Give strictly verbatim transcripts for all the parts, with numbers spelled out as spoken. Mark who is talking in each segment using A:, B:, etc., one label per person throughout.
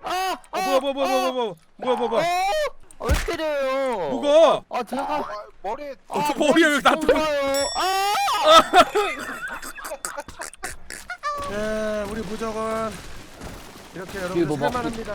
A: 아,
B: 아 뭐야 뭐야 뭐야 뭐야 뭐야 뭐야 뭐야 뭐야
A: 어? 왜 때려요?
B: 뭐가?
A: 아 제가
C: 아, 머리에
B: 어, 머리에 왜 나한테
A: 좋아요. 아!
B: 네 우리 부적은 이렇게
D: 이거
B: 여러분들
D: 뭐
B: 살만합니다.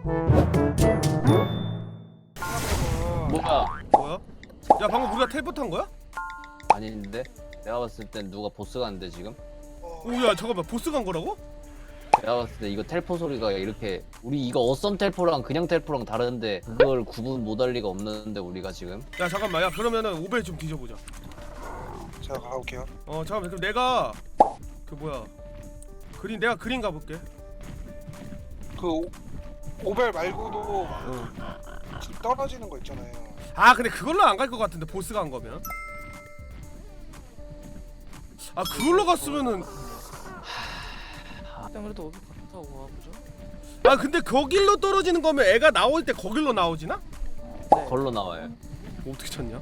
D: 뭐야?
B: 뭐야? 야 방금 우리가 텔포 탄 거야?
D: 아닌데? 내가 봤을 땐 누가 보스 갔는데 지금?
B: 오야 잠깐만 보스 간 거라고?
D: 내가 봤을 때 이거 텔포 소리가 이렇게 우리 이거 어썸 텔포랑 그냥 텔포랑 다른데 그걸 구분 못할 리가 없는데 우리가 지금?
B: 야 잠깐만 야 그러면은 오벨 좀 뒤져보자.
C: 제가 가볼게요.
B: 어 잠깐만 그럼 내가 그 뭐야 그린 내가 그린 가볼게.
C: 그 오, 오벨 말고도
B: 어.
C: 떨어지는 거 있잖아요.
B: 아 근데 그걸로 안 갈 것 같은데 보스 간 거면. 아 그걸로 갔으면은
A: 일단 그래도 오백 갔다 와보죠.
B: 아 근데 거길로 떨어지는 거면 애가 나올 때 거길로 나오지나?
A: 네.
D: 걸로 나와요.
B: 어떻게 찾냐?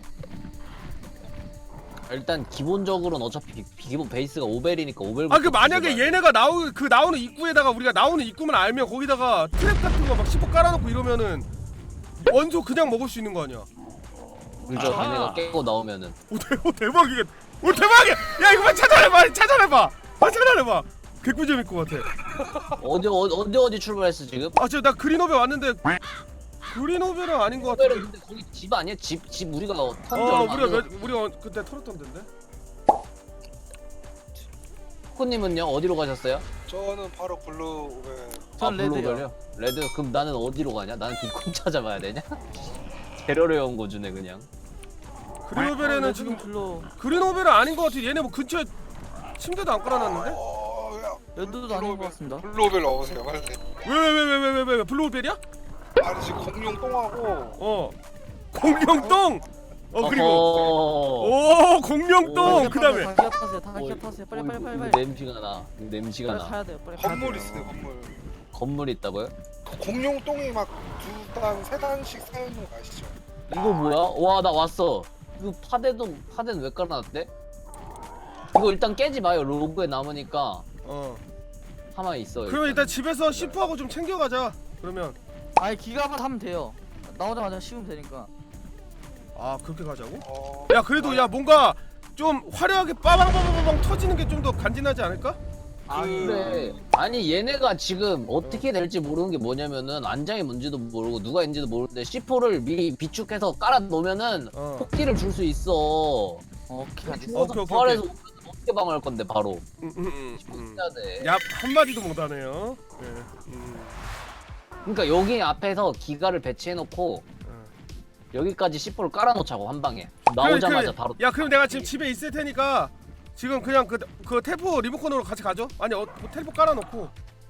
D: 일단 기본적으로는 어차피 비- 기본 베이스가 오벨이니까 오벨.
B: 아 그 만약에 얘네가 나오 그 나오는 입구에다가 우리가 나오는 입구만 알면 거기다가 트랩 같은 거 막 씹어 깔아놓고 이러면은 원소 그냥 먹을 수 있는 거 아니야?
D: 그죠?
A: 아.
D: 걔네가 깨고 나오면은
B: 오, 대, 오 대박이게 오 대박이야! 야 이거 빨리 찾아내봐 찾아내봐 빨리 찾아내봐 개꿀 재밌을 것 같아.
D: 어디 어디 어디 어디 출발했어 지금?
B: 아 지금 나 그린오벨 왔는데 그린오벨은 아닌 것
D: 오벨은
B: 같은데.
D: 근데 거기 집 아니야? 집 집 우리가 턴
B: 어 우리가 몇, 우리가 그때 털었던 데인데.
D: 코님은요 어디로 가셨어요?
C: 저는 바로 블루 오벨.
A: 전 레드요.
D: 블루벨이요? 레드 그럼 나는 어디로 가냐? 나는 뒷꿈 찾아봐야 되냐? 재료를 온 거 주네 그냥.
B: 그린오벨에는 지금
A: 별로
B: 그린오벨은 아닌 것 같아. 얘네 뭐 근처에 침대도 안 깔아놨는데?
C: 어, 야,
A: 레드도 아닌 것 같습니다.
C: 블루 오벨 넣으세요, 빨리.
B: 왜 왜 왜 왜 왜 왜 왜 블루오벨이야?
C: 아니 지금 공룡 똥하고
B: 어 공룡똥. 어 그리고
D: 어허.
B: 오 공룡똥 그 다음에
A: 다 기합하세요. 다
D: 어,
A: 기합하세요. 빨리
D: 어,
A: 빨리
D: 이거-
A: 빨리
D: 이거
A: 빨리.
D: 냄새가 나. 이거 냄새가
A: 빨리
D: 나.
A: 가야 돼요. 빨리 가야
C: 건물
A: 돼요.
C: 있어요, 건물.
D: 건물 있다고요?
C: 그 공룡 똥이 막 두 단, 세 단씩 쌓여있는 거 아시죠?
D: 이거 뭐야? 와 나 왔어. 이거 파대도 파대는 왜 깔아놨대? 이거 일단 깨지 마요. 로그에 남으니까
B: 어
D: 가만히 있어.
B: 그러면 일단 집에서 시프하고 좀 챙겨가자. 그러면
A: 아니 기갑만 하면 돼요. 나오자마자 씌우면 되니까.
B: 아 그렇게 가자고?
C: 어...
B: 야 그래도 야 뭔가 좀 화려하게 빠방빠방빠방 터지는 게 좀 더 간지나지 않을까?
D: 아 그래. 아니 얘네가 지금 어떻게 될지 모르는 게 뭐냐면은 안장이 뭔지도 모르고 누가 있는지도 모르는데 씨포를 미리 비축해서 깔아 놓으면은
B: 어.
D: 폭기를 줄 수 있어.
A: 오케이. 알겠습니다.
D: 죽어서
B: 오케이, 오케이,
D: 부활해서 오면 어떻게 방어할 건데 바로.
B: 음, 음, 음, 음.
D: 해야 돼.
B: 야 한마디도 못하네요. 네. 음.
D: 그러니까 여기 앞에서 기가를 배치해 놓고
B: 어.
D: 여기까지 씨포를 깔아 놓자고 한 방에. 나오자마자
B: 그래, 그래.
D: 바로.
B: 야 그럼 내가 지금 집에 있을 테니까 지금 그냥 그, 그 텔포 리모컨으로 같이 가죠? 아니 어, 뭐 텔포 깔아놓고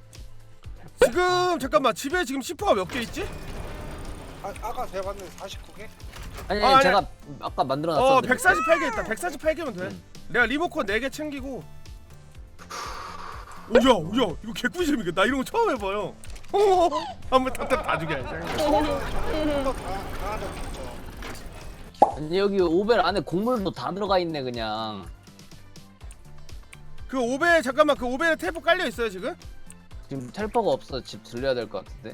B: 지금 잠깐만 집에 지금 시프가 몇 개 있지?
C: 아, 아까 제가 봤는데 사십구 개?
D: 아니,
B: 아,
D: 아니
B: 아니.
D: 제가 아까 만들어
B: 어
D: 놨었는데.
B: 백사십팔 개 있다. 백사십팔 개면 돼.
D: 음.
B: 내가 리모컨 네 개 챙기고. 오야 오야 이거 개꿀 재밌겠다. 나 이런 거 처음 해봐요. 한번 탑탑 다 죽여.
C: 좀더 강한 적 있죠.
D: 아니, 여기 오벨 안에 곡물도 다 들어가 있네 그냥.
B: 그 오벨 잠깐만 그 오벨에 텔포 깔려 있어요 지금?
D: 지금 텔퍼가 없어. 집 들려야 될 것 같은데.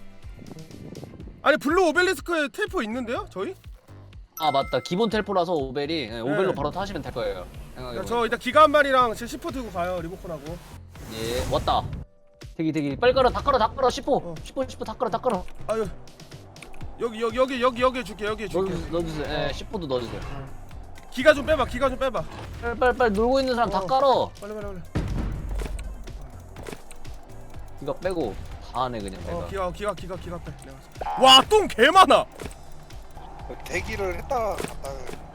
B: 아니 블루 오벨리스크에 텔포 있는데요 저희?
D: 아 맞다. 기본 텔포라서 오벨이 네, 오벨로
B: 네.
D: 바로 타시면 될 거예요.
B: 야,
D: 생각해보니까.
B: 저 일단 기가 한 마리랑 제 시포 들고 가요 리모컨하고.
D: 예 왔다. 대기 대기 빨리 깔아 다 깔아 다 깔아 십호
B: 어.
D: 십호 십호 다 깔아 다 깔아.
B: 아유 여기 여기 여기 여기 여기 줄게 여기 줄게.
D: 넣어주세요. 넣어주세요. 예 십호도 넣어주세요.
B: 기가 좀 빼봐 기가 좀 빼봐.
D: 빨리 빨리 빨리 놀고 있는 사람 다
B: 어.
D: 깔아.
B: 빨리 빨리 빨리.
D: 이거 빼고 다 하네 그냥 내가.
B: 어 기가 기가 기가 기가 빼. 내가. 와똥 개 많아.
C: 대기를 했다가 갔다가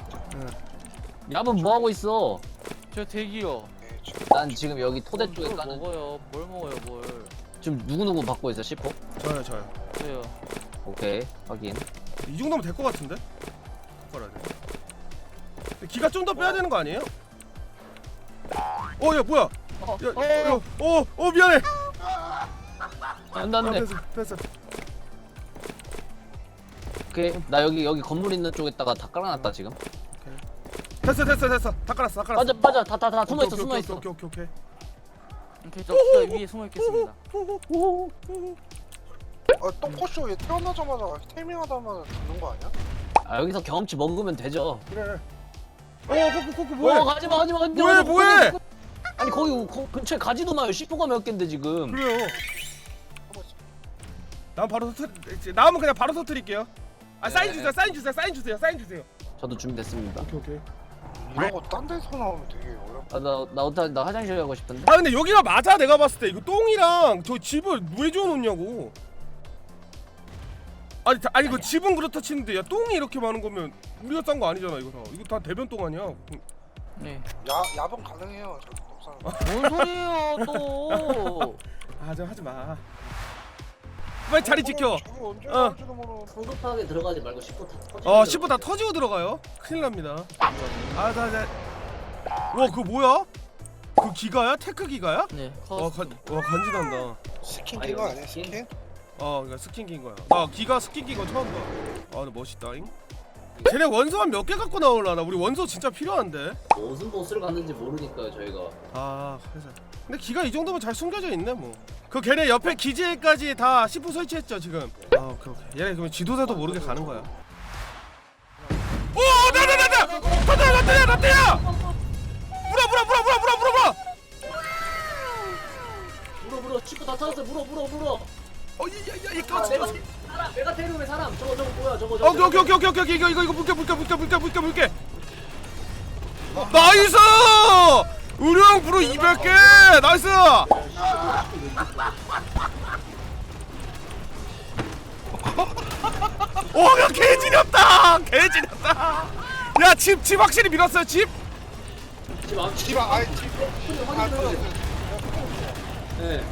D: 야분 뭐 하고 있어?
A: 저 대기요.
C: 네, 지금
D: 난 지금 여기 토대 쪽에
A: 뭘
D: 까는.
A: 먹어요. 뭘 먹어요 뭘.
D: 지금 누구 누구 받고 있어 십호?
B: 저요 저요.
A: 저요.
D: 오케이 확인.
B: 이 정도면 될 것 같은데? 바꿔야 돼. 기가 좀 더 빼야 되는 거 아니에요? 어, 야 뭐야?
A: 어,
B: 야,
A: 어,
B: 야, 어, 어 미안해.
D: 안돼
B: 아,
D: 안돼.
B: 됐어, 됐어.
D: 오케이 나 여기 여기 건물 있는 쪽에다가 다 깔아놨다 지금.
B: 됐어, 됐어, 됐어. 다 깔았어, 다 깔았어.
D: 빠져 빠져 다 다 다 숨어 있어
B: 오케이,
D: 숨어
B: 오케이,
D: 있어.
B: 오케이, 오케이, 오케이.
A: 오케이 저 기가 위에 숨어 있겠습니다.
C: 아 똥꼬쇼 얘 태어나자마자 태밍하자마자 죽는 거 아니야?
D: 아 여기서 경험치 먹으면 되죠.
B: 그래. 어 코코 코코 뭐해?
D: 어 가지마 가지마 가지마.
B: 뭐해 뭐해?
D: 아니 거기 거, 근처에 가지도 마요. 씨포가 몇 갠데 지금.
B: 그래요. 난 바로 터트. 나오면 그냥 바로 터트릴게요. 아 사인
D: 네.
B: 주세요 사인 주세요 사인 주세요 사인 주세요.
D: 저도 준비됐습니다.
B: 오케이 오케이.
C: 이런 거 딴 데서 나오면 되게 어렵다.
D: 아나나 나, 나 화장실 가고 싶은데.
B: 아 근데 여기가 맞아 내가 봤을 때 이거 똥이랑 저 집을 왜 지어놓냐고. 아니 다, 아니 그 집은 그렇다 치는데 야 똥이 이렇게 많은 거면 우리가 싼 거 아니잖아 이거 다. 이거 다 대변 똥 아니야?
A: 네.
C: 야 야분 가능해요 저 똥싸는.
A: 뭔 소리예요 또?
B: 아 저 하지 마. 빨리 자리 지켜.
C: 저기 언제
B: 어.
C: 나올지도 모르는.
D: 성급하게 들어가지 말고 씨포 다 터지.
B: 어 십 분 다 터지고 들어가요. 큰일 납니다. 아자 자. 와 그거 뭐야? 그 기가야? 테크 기가야?
A: 네.
B: 와,
A: 커스.
B: 간, 와 간지난다.
C: 스킨
D: 아니,
C: 낀거
D: 여기
C: 아니야
D: 스킨?
C: 스킨?
B: 어 그러니까 스킨 낀 거야. 나 기가 스킨 낀 거 처음 봐. 아 근데 멋있다잉. 쟤네 원소 한 몇 개 갖고 나올라나? 우리 원소 진짜 필요한데.
D: 무슨 보스를 갔는지 모르니까요 저희가.
B: 아 그래서. 근데 기가 이 정도면 잘 숨겨져 있네 뭐. 그 걔네 옆에 기지에까지 다 십 분 설치했죠 지금. 아 오케이 오케이. 얘네 그러면 지도자도 모르게 가는 거야. 오 나나 나나 나나 나때야 나때야. 물어 물어 물어 물어 물어 물어 물어.
D: 물어 물어 씨포 다 터졌어. 물어 물어 물어.
B: 어이야야
D: 아,
B: 이거
D: 메가 사람 메가테리움의 사람. 저거 저거 뭐야 저거 저거.
B: 오케이 오케이 오케이 오케이 오케이 이거 이거 이거 물게 물게 물게 물게 물게 물게. 나이스! 의령 브로 이백 개! 나이스! 오, 야, 개지렸다! 개지렸다! 야, 집, 집 확실히 밀었어요, 집?
D: 집 앞.
C: 집안 아니 집. 아
D: 확인해요.
C: 터졌어.
D: 네.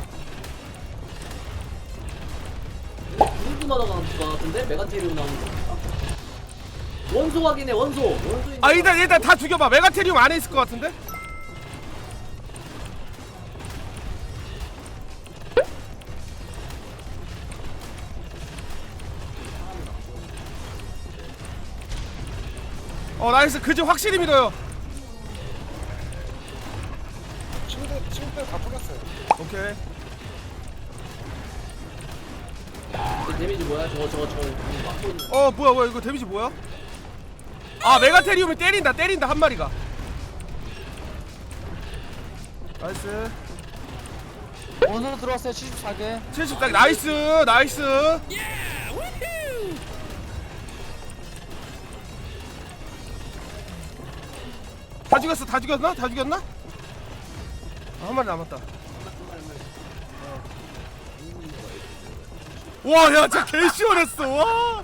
D: 구글마다 가는 거 같은데 메가테리움 나오는 거. 원소 확인해 원소. 원소.
B: 아, 일단, 일단 다 죽여봐. 메가테리움 안에 있을 것 같은데? 어, 나이스. 그 집 확실히 밀어요.
C: 침대 침대 다 뚫렸어요.
B: 오케이.
D: 그 데미지 뭐야? 저거 저거 저거 막고 있는.
B: 어, 뭐야, 뭐야. 이거 데미지 뭐야? 아, 메가테리움이 때린다, 때린다, 한 마리가. 나이스.
A: 원으로 들어왔어요 칠십사 개.
B: 칠십사 개. 나이스, 나이스. 다 죽였어, 다 죽였나? 다 죽였나? 아, 한 마리 남았다. 와, 야, 진짜 개 시원했어. 와.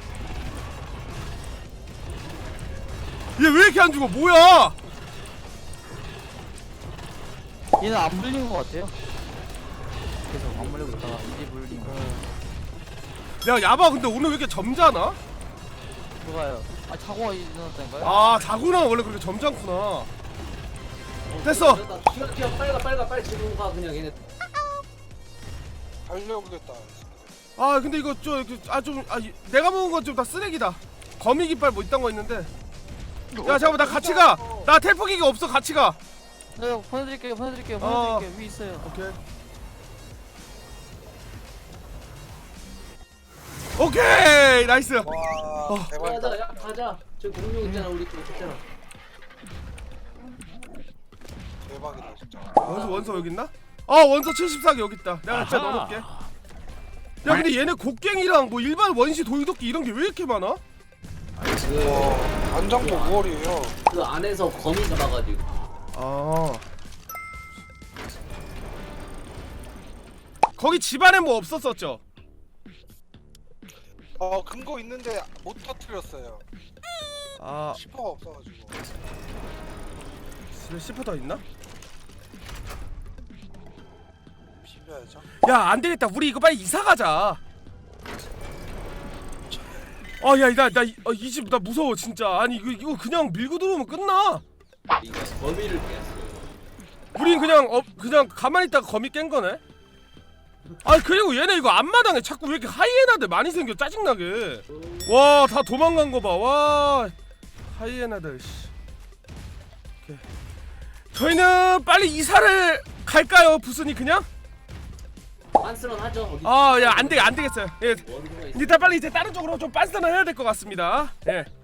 B: 얘 왜 이렇게 안 죽어? 뭐야?
A: 얘는 안 물린 것 같아요. 계속 안 물리고 있다가 이제 물린 거.
B: 야, 야바 근데 오늘 왜 이렇게 점잖아?
A: 누가요? 아 자고가 일어났다니까요?
B: 아, 자구는 원래 그렇게 점잖구나. 됐어.
D: 튀어 튀어 빨리 가 빨리 가 빨리 지금 가 그냥 얘네.
C: 달려오겠다.
B: 아, 근데 이거 좀 아 좀 아 내가 먹은 건 좀 다 쓰레기다. 거미 깃발 뭐 이딴 거 있는데. 야, 잠깐만, 나 같이 가. 나 텔포기가 없어. 같이 가.
A: 네 보내드릴게요 보내드릴게요
B: 어.
A: 보내드릴게요. 위 있어요.
B: 오케이. 오케이, 나이스.
C: 와
B: 어.
C: 대박이다.
D: 가자 야 가자. 저 공룡 있잖아 우리 쪽 있잖아.
C: 대박이다 진짜.
B: 원소 원소 여기 있나? 아, 원소 칠십사 개 여기 있다. 내가 진짜 넣어놓을게. 야, 근데 얘네 곡괭이랑 뭐 일반 원시 돌도끼 이런 게 왜 이렇게 많아?
C: 와 안장도 오월이에요.
D: 그 안에서 거미 잡아가지고.
B: 아. 거기 집안에 뭐 없었었죠?
C: 어 근거 있는데 못 터뜨렸어요.
B: 아,
C: 시퍼가 없어가지고.
B: 집에 시퍼 더 있나?
C: 비벼야죠.
B: 야, 안 되겠다. 우리 이거 빨리 이사 가자. 아, 야, 나 나 이 집 나 무서워 진짜. 아니 이거 이거 그냥 밀고 들어오면 끝나.
D: 이거 거미를 깼어요.
B: 우린 그냥 어 그냥 가만히 있다가 거미 깬 거네. 아, 그리고 얘네 이거 앞마당에 자꾸 왜 이렇게 하이에나들 많이 생겨 짜증나게. 와, 다 도망간 거 봐. 와, 하이에나들. 씨. 오케이. 저희는 빨리 이사를 갈까요, 부스니 그냥?
D: 빤스런 하죠. 어디
B: 아, 야, 안 돼, 안 되겠어요. 예,
D: 원고가 있어.
B: 일단 빨리 이제 다른 쪽으로 좀 빤스는 해야 될 것 같습니다. 예.